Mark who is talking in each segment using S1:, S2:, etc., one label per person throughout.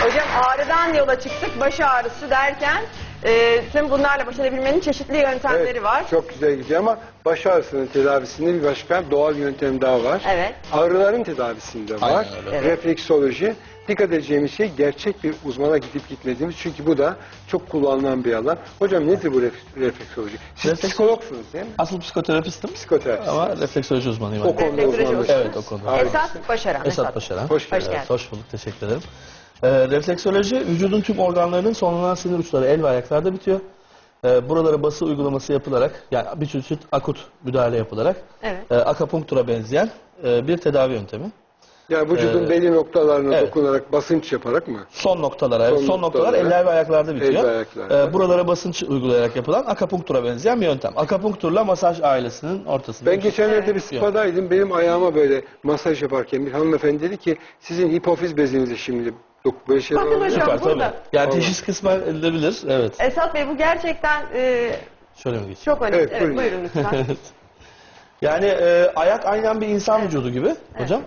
S1: Hocam ağrıdan yola çıktık, baş ağrısı derken tüm bunlarla baş edebilmenin çeşitli yöntemleri var.
S2: Çok güzel gidiyor ama baş ağrısının tedavisinde bir başka doğal yöntem daha var.
S1: Evet.
S2: Ağrıların tedavisinde var.
S3: Aynen
S1: öyle.
S2: Refleksoloji. Dikkat edeceğimiz şey gerçek bir uzmana gidip gitmediğimiz. Çünkü bu da çok kullanılan bir alan. Hocam nedir bu refleksoloji? Siz psikologsunuz değil mi?
S3: Asıl psikoterapistim.
S2: Psikoterapist.
S3: Ama refleksoloji uzmanıyım.
S2: O konuda
S1: Refleksoloji
S2: uzmanlık.
S1: uzmanı.
S3: Evet, o konuda.
S2: Harika.
S1: Esat Başaran.
S3: Esat Başaran.
S2: Hoş geldin.
S1: geldin.
S3: Hoş bulduk, teşekkür ederim. Refleksoloji, vücudun tüm organlarının sonlanan sinir uçları el ve ayaklarda bitiyor. Buralara bası uygulaması yapılarak, yani bir çeşit akut müdahale yapılarak,
S1: Evet.
S3: akupunktura benzeyen bir tedavi yöntemi.
S2: Yani vücudun belli noktalarına
S3: evet.
S2: dokunarak, basınç yaparak mı?
S3: Son noktalar
S2: Son
S3: noktalar
S2: noktalara.
S3: eller ve ayaklarda bitiyor.
S2: El ve ayaklarda.
S3: Buralara basınç uygulayarak yapılan akupunktura benzeyen bir yöntem. Akupunkturla masaj ailesinin ortasında.
S2: Ben geçenlerde
S1: Evet.
S2: bir spadaydım. Benim ayağıma böyle masaj yaparken bir hanımefendi dedi ki sizin hipofiz bezinizi şimdi böyle şeyler
S1: Bakın
S2: oluyor.
S1: hocam.
S3: Süper, tabii.
S1: burada.
S3: Yani
S2: Vallahi.
S3: teşhis kısmen edilebilir. Evet.
S1: Esat Bey bu gerçekten
S3: Şöyle mi geçeyim?
S1: çok önemli.
S2: Evet,
S1: Evet,
S2: buyurun.
S1: buyurun lütfen.
S3: Yani ayak aynen bir insan vücudu gibi hocam.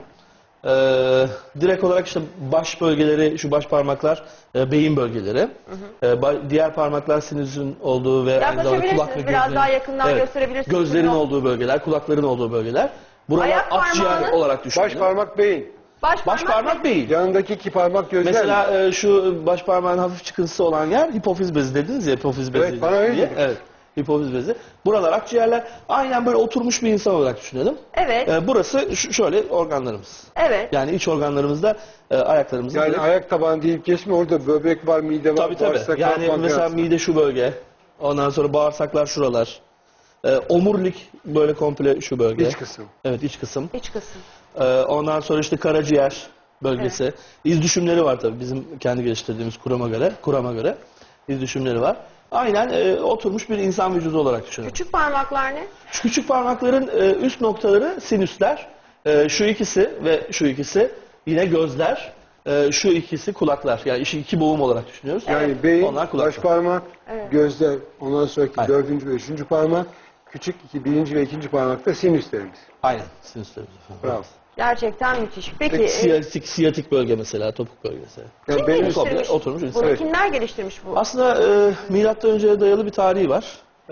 S3: Direkt olarak işte baş bölgeleri, şu baş parmaklar beyin bölgeleri. Diğer parmaklar sinirin olduğu ve aynı zamanda
S1: Yaklaşabilirsiniz,
S3: kulak ve
S1: biraz
S3: gözlerin,
S1: daha yakından gösterebilirsiniz.
S3: gözlerin
S1: Buyurun.
S3: olduğu bölgeler, kulakların olduğu bölgeler. Buralar
S1: Ayak
S3: akciğer
S1: parmağının-
S3: olarak düşünülür.
S2: Baş parmak beyin.
S3: Baş parmak beyin.
S2: Yanındaki iki parmak gözler mi?
S3: Mesela şu baş parmağın hafif çıkıntısı olan yer hipofiz bezi dediniz ya, hipofiz bezi.
S2: Evet, bana öyle
S3: diye.
S2: dedi.
S3: Evet. Hipofiz bezi. Buralar akciğerler. Aynen böyle oturmuş bir insan olarak düşünelim.
S1: Evet.
S3: Burası şöyle organlarımız.
S1: Evet.
S3: Yani iç organlarımızda ayaklarımızın.
S2: Yani
S3: böyle-
S2: ayak tabanı deyip geçme, orada böbrek var, mide var,
S3: tabii tabii.
S2: bağırsaklar,
S3: Yani
S2: pankreas
S3: mesela
S2: var.
S3: mide şu bölge. Ondan sonra bağırsaklar şuralar. Omurilik böyle komple şu bölge.
S2: İç kısım.
S3: Evet, iç kısım.
S1: İç kısım.
S3: Ondan sonra işte karaciğer bölgesi. İz düşümleri var tabii bizim kendi geliştirdiğimiz kurama göre iz düşümleri var. Aynen oturmuş bir insan vücudu olarak düşünün.
S1: Küçük parmaklar ne?
S3: Şu küçük parmakların üst noktaları sinüsler. Şu ikisi ve şu ikisi yine gözler. Şu ikisi kulaklar. Yani işi iki boğum olarak düşünüyoruz.
S2: Yani beyin,
S3: Onlar kulaklar.
S2: baş parmak, gözler, ondan sonraki
S3: Aynen.
S2: 4. ve 3. parmak, küçük 1. ve 2. parmakta sinüslerimiz.
S3: Aynen. Sinüslerimiz.
S2: Bravo.
S1: Gerçekten müthiş. Peki
S3: Siyatik bölge mesela, topuk bölgesi.
S2: Yani
S1: kim
S2: benim
S1: geliştirmiş?
S3: komple oturmuş insan.
S1: Bunu
S2: Evet.
S1: kimler geliştirmiş bu?
S3: Aslında milattan önceye dayalı bir tarihi var.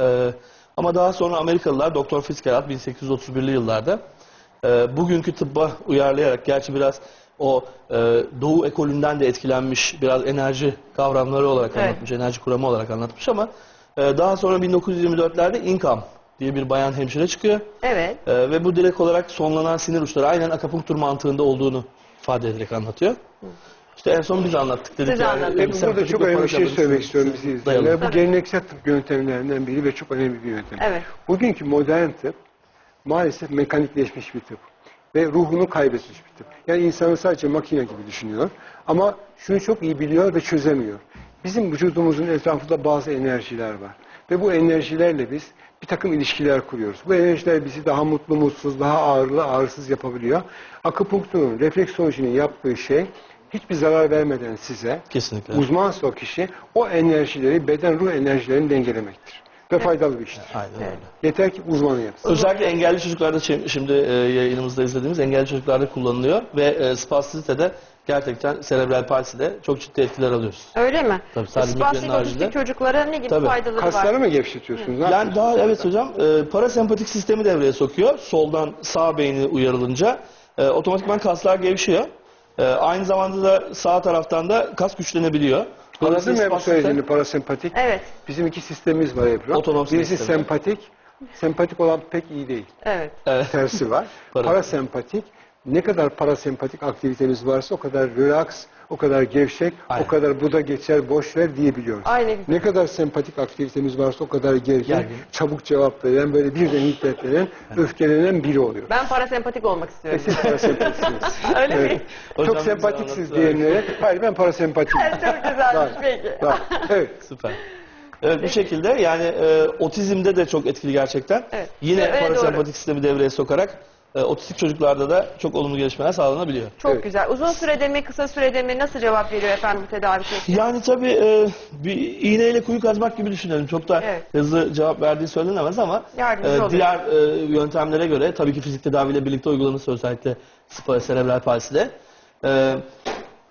S3: Ama daha sonra Amerikalılar Doktor Fitzgerald 1831'li yıllarda bugünkü tıbba uyarlayarak, gerçi biraz o Doğu ekolünden de etkilenmiş, biraz enerji kavramları olarak
S1: Evet.
S3: anlatmış, enerji kuramı olarak anlatmış ama daha sonra 1924'lerde Ingham diye bir bayan hemşire çıkıyor.
S1: Evet.
S3: Ve bu direkt olarak sonlanan sinir uçları aynen akupunktur mantığında olduğunu ifade ederek anlatıyor. İşte en son biz anlattık dedik.
S1: Siz anlattınız.
S2: Burada
S3: sempatik
S2: çok
S3: ve
S2: önemli bir şey
S3: parasympatik
S2: söylemek istiyorum bizi
S3: dayalı.
S2: izleyenler. Bu
S1: Tabii.
S2: geleneksel tıp yöntemlerinden biri ve çok önemli bir yöntem.
S1: Evet.
S2: Bugünkü modern tıp maalesef mekanikleşmiş bir tıp ve ruhunu kaybetmiş bir tıp. Yani insanı sadece makine gibi düşünüyor ama şunu çok iyi biliyor ve çözemiyor. Bizim vücudumuzun etrafında bazı enerjiler var ve bu enerjilerle biz bir takım ilişkiler kuruyoruz. Bu enerjiler bizi daha mutlu, mutsuz, daha ağırlı, ağırsız yapabiliyor. Akupunkturun, refleksolojinin yaptığı şey hiçbir zarar vermeden size,
S3: Kesinlikle.
S2: uzmansa o kişi, o enerjileri, beden ruh enerjilerini dengelemektir. Ve faydalı bir iştir.
S3: Aynen öyle.
S2: Yeter ki uzmanı yapsın.
S3: Özellikle engelli çocuklarda şimdi yayınımızda izlediğimiz engelli çocuklarda kullanılıyor ve spastisitede gerçekten serebral palside çok ciddi etkiler alıyoruz.
S1: Öyle mi?
S3: Tabii, sadece
S1: Spastik
S3: migrenin haricinde.
S1: otistik çocuklara ne gibi
S3: Tabii.
S1: faydaları
S2: Kasları
S1: var?
S2: mı gevşetiyorsunuz? Ne
S3: Yani
S2: yapıyorsunuz?
S3: daha evet hocam parasempatik sistemi devreye sokuyor. Soldan sağ beyni uyarılınca otomatikman kaslar gevşiyor. Aynı zamanda da sağ taraftan da kas güçlenebiliyor.
S2: Anladın mı bu
S3: spastisite-
S2: söylediğini parasempatik?
S1: Evet.
S2: Bizim iki sistemimiz var Ebru.
S3: Otonom
S2: Birisi
S3: sistemi.
S2: sempatik. Sempatik olan pek iyi değil.
S1: Evet.
S2: Tersi var. Parasempatik. Ne kadar parasempatik aktivitemiz varsa o kadar relax, o kadar gevşek,
S3: Aynen.
S2: o kadar bu da geçer, boş ver diyebiliyoruz.
S1: Aynen.
S2: Ne kadar sempatik aktivitemiz varsa o kadar gergin,
S3: Gergin.
S2: çabuk cevap veren, böyle birden hiddetlenen, öfkelenen biri oluyor.
S1: Ben parasempatik olmak istiyorum.
S2: Siz parasempatiksiniz.
S1: Öyle mi?
S2: Evet.
S3: Hocam
S2: Çok
S3: bize
S2: sempatiksiz
S3: anlattı.
S2: diyenlere, hayır ben parasempatiyim.
S1: Çok güzelmiş peki.
S2: Var. Evet.
S3: Süper. Evet, bu şekilde yani otizmde de çok etkili gerçekten.
S1: Evet.
S3: Yine
S1: Evet,
S3: parasempatik
S1: doğru.
S3: sistemi devreye sokarak otistik çocuklarda da çok olumlu gelişmeler sağlanabiliyor.
S1: Çok
S2: Evet.
S1: güzel. Uzun sürede mi, kısa sürede mi, nasıl cevap veriyor efendim bu tedavi şekli?
S3: Yani tabii bir iğneyle kuyu kazmak gibi düşünelim. Çok da
S1: Evet.
S3: hızlı cevap verdiği söylenemez ama
S1: Yardımcı oluyor.
S3: diğer yöntemlere göre tabii ki fizik tedaviyle birlikte uygulanırsa özellikle serebral palside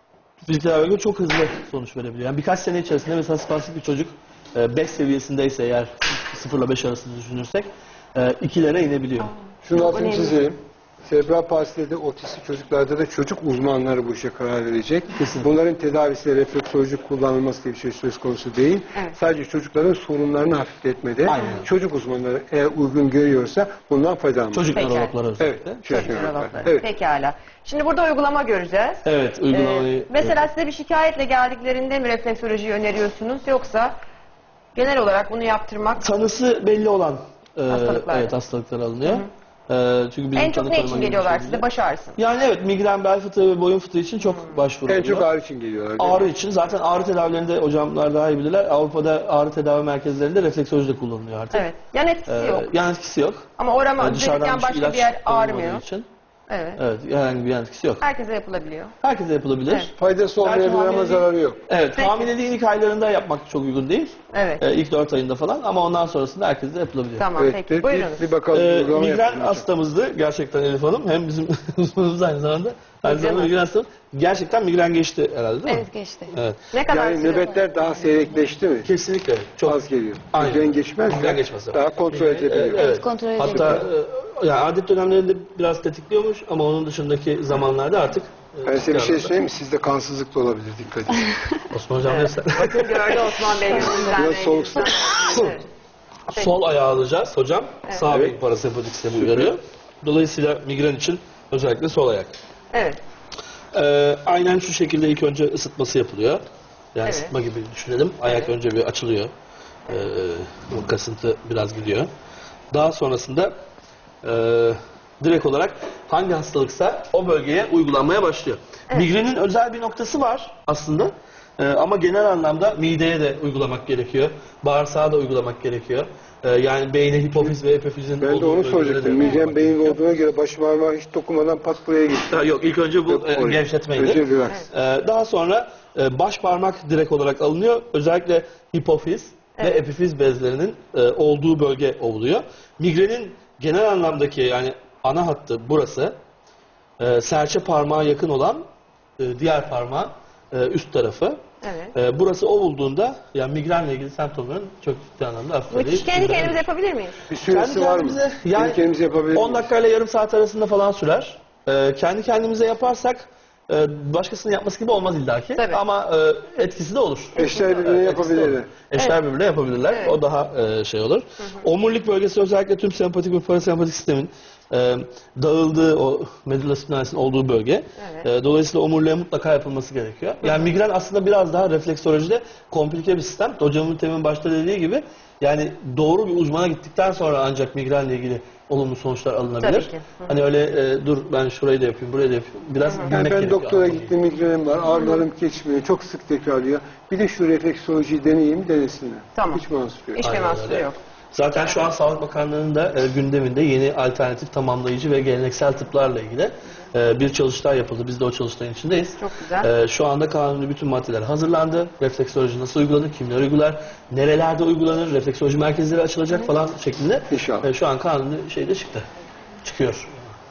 S3: fiziksel tedavi çok hızlı sonuç verebiliyor. Yani birkaç sene içerisinde mesela spastik bir çocuk 5 seviyesindeyse eğer 0 ile 5 arasında düşünürsek 2'lere inebiliyor.
S2: Şunu altını
S1: önemli.
S2: çizelim. Serebral palside de otistik çocuklarda da çocuk uzmanları bu işe karar verecek.
S3: Kesinlikle.
S2: Bunların tedavisi refleksoloji kullanılması diye bir şey söz konusu değil.
S1: Evet.
S2: Sadece çocukların sorunlarını hafifletmede
S3: Aynen.
S2: çocuk uzmanları eğer uygun görüyorsa bundan faydalanmak.
S3: Çocuk
S1: Peki.
S3: nörologları
S2: Evet.
S3: özellikle.
S2: Çocuk
S1: Nörologları.
S2: nörologları. Evet.
S1: Pekala. Şimdi burada uygulama göreceğiz.
S3: Evet, uygulamayı...
S1: Mesela size bir şikayetle geldiklerinde mi refleksolojiyi öneriyorsunuz yoksa genel olarak bunu yaptırmak
S3: Tanısı belli olan
S1: Hastalıklar.
S3: evet, hastalıklar alınıyor. Çünkü bizim
S1: en çok
S3: tanı
S1: ne
S3: koyma
S1: için
S3: gibi bir
S1: geliyorlar
S3: şey
S1: size?
S3: değil.
S1: Baş ağrısı.
S3: Yani evet, migren, bel fıtığı ve boyun fıtığı için çok başvuru
S2: En
S3: oluyor.
S2: çok ağrı için geliyorlar. değil mi?
S3: Ağrı için. Zaten ağrı tedavilerinde hocamlar daha iyi bilirler. Avrupa'da ağrı tedavi merkezlerinde refleksoloji de kullanılıyor artık.
S1: Evet. Yan etkisi yok.
S3: Yan etkisi yok.
S1: Ama orama
S3: Dışarıdan
S1: üzerinden başka
S3: ilaç
S1: bir yer
S3: konulmadığı
S1: ağrımıyor.
S3: için.
S1: Evet.
S3: Evet, herhangi bir yan etkisi yok.
S1: Herkese yapılabiliyor.
S3: Herkese yapılabilir.
S1: Evet.
S2: Faydası olmayabilir ama
S3: hamileliği-
S2: zararı yok.
S3: Evet,
S1: Peki.
S3: hamileliğin ilk aylarında yapmak çok uygun değil.
S1: Evet.
S3: İlk 4 ayında falan ama ondan sonrasında herkese yapılabiliyor.
S1: Tamam
S2: Evet,
S1: peki. Buyurunuz.
S2: bir bakalım. uygulama
S3: Migren
S2: yapalım.
S3: hastamızdı gerçekten Elif Hanım. Hem bizim uzmanımız aynı zamanda. Aynı zamanda migren hastamız. Gerçekten migren geçti herhalde değil mi?
S4: Evet geçti.
S3: Evet.
S1: Ne kadar
S2: Yani
S1: süre?
S2: nöbetler daha seyrekleşti mi?
S3: Kesinlikle. Çok
S2: Az geliyor.
S3: Aynen.
S2: Migren geçmez.
S3: Migren geçmez.
S2: Daha kontrol edebiliyor.
S3: Evet.
S4: Kontrol
S3: Hatta
S4: edebiliyor.
S3: yani adet dönemlerinde biraz tetikliyormuş ama onun dışındaki zamanlarda artık
S2: Ben size bir şey söyleyeyim mi? Sizde kansızlık da olabilir. Dikkat edin.
S3: Osman Hocam
S1: Evet.
S3: evet.
S1: Bakın gördü Osman Bey yüzünden.
S2: Biraz soğuk su.
S1: Evet.
S3: Sol ayağı alacağız hocam. Sağ
S2: Evet.
S3: beyin parasempatik sistemi uyarıyor. Dolayısıyla migren için özellikle sol ayak.
S1: Evet.
S3: Aynen şu şekilde ilk önce ısıtması yapılıyor. Yani
S1: Evet.
S3: ısıtma gibi düşünelim. Ayak
S1: Evet.
S3: önce bir açılıyor. O kasıntı biraz gidiyor. Daha sonrasında direkt olarak hangi hastalıksa o bölgeye uygulanmaya başlıyor. Migrenin özel bir noktası var aslında. Ama genel anlamda mideye de uygulamak gerekiyor. Bağırsağa da uygulamak gerekiyor. Yani beyne hipofiz ve epifizin
S2: Ben de
S3: olduğu
S2: onu
S3: bölgelere de
S2: soracaktım.
S3: uygulamak
S2: Migren beyin
S3: gerekiyor.
S2: olduğuna göre baş parmağı hiç dokunmadan pat buraya gitti.
S3: Ha, yok ilk önce bu
S2: Yok, oraya.
S3: gevşetmeydi.
S2: Önce relax.
S3: Daha sonra baş parmak direkt olarak alınıyor. Özellikle hipofiz ve epifiz bezlerinin olduğu bölge ovuluyor. Migrenin genel anlamdaki yani ana hattı burası. Serçe parmağa yakın olan diğer parmağın üst tarafı.
S1: Evet.
S3: Burası ovulduğunda yani migrenle ilgili semptomların çok ciddi anlamda
S1: Bu
S3: hafiflediği.
S1: kendi kendimize yapabilir miyiz?
S2: Bir süresi var mı?
S3: yani
S2: Kendi kendimize yapabilir
S3: 10
S2: miyiz?
S3: dakika ile yarım saat arasında falan sürer. Kendi kendimize yaparsak başkasının yapması gibi olmaz illaki.
S1: Tabii.
S3: Ama etkisi de olur.
S2: Eşler birbirine
S3: Evet, etkisi de
S2: yapabilirler.
S3: olur. Eşler birbirine yapabilirler.
S1: Evet.
S3: O daha şey olur. Omurilik bölgesi özellikle tüm sempatik ve parasempatik sistemin dağıldığı o medulla spinalis'in olduğu bölge.
S1: Evet.
S3: Dolayısıyla omuriliğe mutlaka yapılması gerekiyor. Yani migren aslında biraz daha refleksolojide komplike bir sistem. Hocamın temin başta dediği gibi yani doğru bir uzmana gittikten sonra ancak migrenle ilgili olumlu sonuçlar alınabilir.
S1: Tabii ki.
S3: Hani öyle dur ben şurayı da yapayım, burayı da yapayım. Biraz
S2: Yani
S3: bilmek
S2: ben
S3: gerekiyor.
S2: doktora
S3: anlamayı.
S2: gittim, migrenim var, ağrılarım geçmiyor, çok sık tekrarlıyor. Bir de şu refleksolojiyi deneyeyim, denesinler.
S1: Tamam.
S2: Hiç mahsur yok.
S1: Hiçbir
S3: Aynen
S1: mahsuru
S3: öyle.
S1: yok.
S3: Zaten şu an Sağlık Bakanlığı'nın da gündeminde yeni alternatif tamamlayıcı ve geleneksel tıplarla ilgili bir çalıştay yapıldı. Biz de o çalıştayın içindeyiz.
S1: Çok güzel.
S3: Şu anda kanuni bütün maddeler hazırlandı. Refleksoloji nasıl uygulanır, kimler uygular, nerelerde uygulanır, refleksoloji merkezleri açılacak falan şeklinde.
S2: İnşallah.
S3: Şu an kanuni şeyde çıktı. Çıkıyor.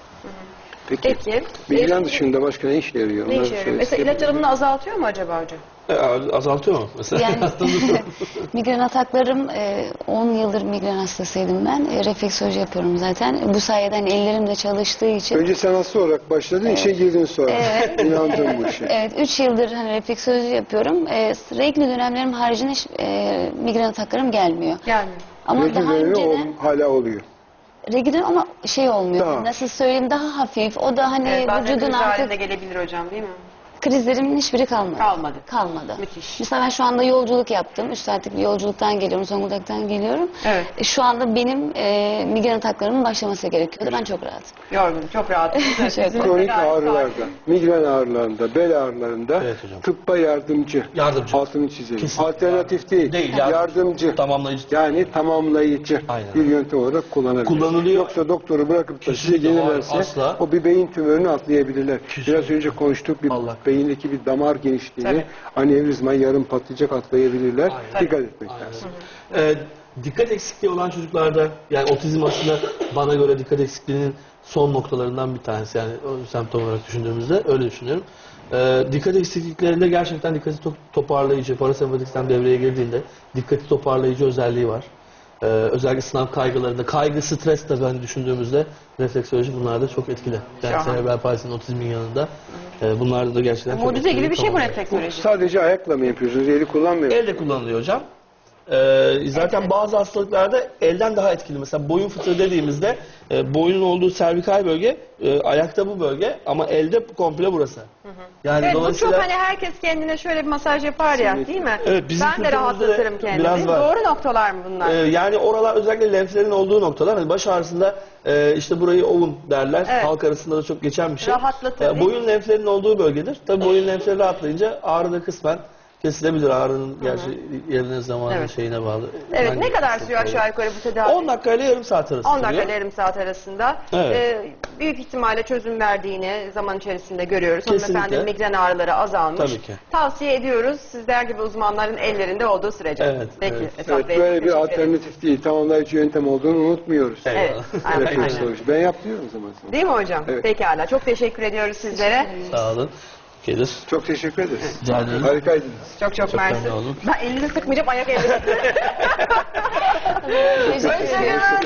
S1: Peki.
S2: Migren dışında başka ne işe yarıyor?
S1: Ne
S2: Onları
S1: işe yarıyor?
S2: söyle.
S1: Mesela ilaç alımını azaltıyor mu acaba hocam?
S3: Azaltıyor mu mesela?
S4: Yani migren ataklarım 10 yıldır migren hastasıydım ben. Refleksoloji yapıyorum zaten. Bu sayede hani ellerim de çalıştığı için.
S2: Önce sen hasta olarak başladın, işe girdin sonra. İnandın bu işe.
S4: Evet 3 yıldır hani refleksoloji yapıyorum. Regl dönemlerim haricinde hiç migren ataklarım gelmiyor.
S1: Gelmiyor.
S4: Ama
S2: Regl
S4: daha
S2: dönemi
S4: önceden
S2: hala oluyor.
S4: regl dönemi ama şey olmuyor.
S2: Daha.
S4: Nasıl söyleyeyim daha hafif. O da hani
S1: Evet, bazen
S4: vücudun
S1: kriz halinde
S4: artık
S1: gelebilir hocam değil mi?
S4: krizlerimin hiçbiri kalmadı.
S1: Kalmadı.
S4: Kalmadı.
S1: Müthiş.
S4: Mesela ben şu anda yolculuk yaptım. 3 saatlik bir yolculuktan geliyorum. Zonguldak'tan geliyorum.
S1: Evet.
S4: Şu anda benim migren ataklarımın başlaması gerekiyordu. Ben çok rahatım.
S1: Yorgun, çok rahat.
S2: Kronik ağrılarda, migren ağrılarında, bel ağrılarında
S3: Evet hocam.
S2: tıbba yardımcı.
S3: Yardımcı.
S2: Altını çizelim.
S3: Kesinlikle.
S2: Alternatif değil.
S3: Değil,
S2: Yardımcı.
S3: Tamamlayıcı.
S2: Yani tamamlayıcı
S3: Aynen.
S2: bir yöntem olarak kullanabilir.
S3: Kullanılıyor.
S2: Yoksa doktoru bırakıp da size
S3: Kesinlikle,
S2: gelirlerse
S3: asla.
S2: o bir beyin tümörünü atlayabilirler.
S3: Kesinlikle.
S2: Biraz önce konuştuk bir
S3: Allah.
S2: beyindeki bir damar genişliğini
S1: Tabii.
S2: anevrizma yarım patlayacak atlayabilirler.
S3: Aynen.
S2: Dikkat etmek
S3: Aynen.
S2: lazım.
S3: Dikkat eksikliği olan çocuklarda, yani otizm aslında bana göre dikkat eksikliğinin son noktalarından bir tanesi, yani o semptom olarak düşündüğümüzde öyle düşünüyorum. Dikkat eksikliklerinde gerçekten dikkati toparlayıcı, parasempatik sistem devreye girdiğinde dikkati toparlayıcı özelliği var. Özellikle sınav kaygılarında, kaygı, stres de ben düşündüğümüzde refleksoloji bunlarda çok etkili. Yani
S1: Şahane.
S3: serebral palsinin otizmin yanında bunlarda da gerçekten çok
S1: Mucize
S3: etkili.
S1: gibi bir şey bu
S3: Tamam.
S1: refleksoloji.
S2: Sadece ayakla mı yapıyorsunuz? Eli kullanmıyor musunuz?
S3: Elle kullanılıyor hocam. Zaten bazı hastalıklarda elden daha etkili. Mesela boyun fıtığı dediğimizde boynun olduğu servikal bölge, ayakta bu bölge ama elde komple burası. Yani
S1: Evet, bu
S3: dolayısıyla
S1: çok hani herkes kendine şöyle bir masaj yapar ya, değil mi?
S3: Evet, bizim
S1: Ben de
S3: kültürümüzde
S1: rahatlatırım
S3: de
S1: kendimi.
S3: biraz var.
S1: Doğru noktalar mı bunlar?
S3: yani oralar özellikle lenflerin olduğu noktalar. Hani baş ağrısında işte burayı ovun derler.
S1: Evet.
S3: Halk arasında da çok geçen bir şey.
S1: Rahatlatır, değil mi?
S3: Boyun lenflerinin olduğu bölgedir. Tabii boyun lenfleri rahatlayınca ağrı da kısmen kesilebilir. Ağrının gerçi yerine, zamanı,
S1: Evet.
S3: şeyine bağlı.
S1: Evet,
S3: Hangi
S1: ne kadar
S3: hastalık
S1: sürüyor
S3: olduğu.
S1: aşağı yukarı bu tedavi?
S3: 10 dakika ile yarım saat arası
S1: 10 dakika
S3: sürüyor.
S1: ile yarım saat arasında.
S3: Evet.
S1: Büyük ihtimalle çözüm verdiğini zaman içerisinde görüyoruz.
S3: Kesinlikle.
S1: Hanımefendinin migren ağrıları azalmış.
S3: Tabii ki.
S1: Tavsiye ediyoruz sizler gibi uzmanların ellerinde olduğu sürece.
S3: Evet,
S1: Peki.
S3: evet.
S1: Esat
S2: Evet,
S1: Bey,
S2: böyle bir
S1: teşekkür ederim.
S2: alternatif değil, tamamlayıcı yöntem olduğunu unutmuyoruz.
S3: Evet.
S1: Evet, aynen.
S2: Refleksoloji. Ben yapıyorum zaman zaman.
S1: Değil mi hocam?
S2: Evet.
S1: Pekala. Çok teşekkür ediyoruz sizlere.
S3: Sağ olun. Gelir.
S2: Çok teşekkür ederiz.
S3: Rica ederim.
S2: Harikaydınız.
S1: Çok
S3: Çok
S1: mersi.
S3: memnun oldum.
S1: Ben elini sıkmayacağım, ayak elini sıkmayacağım.
S4: Teşekkür ederim.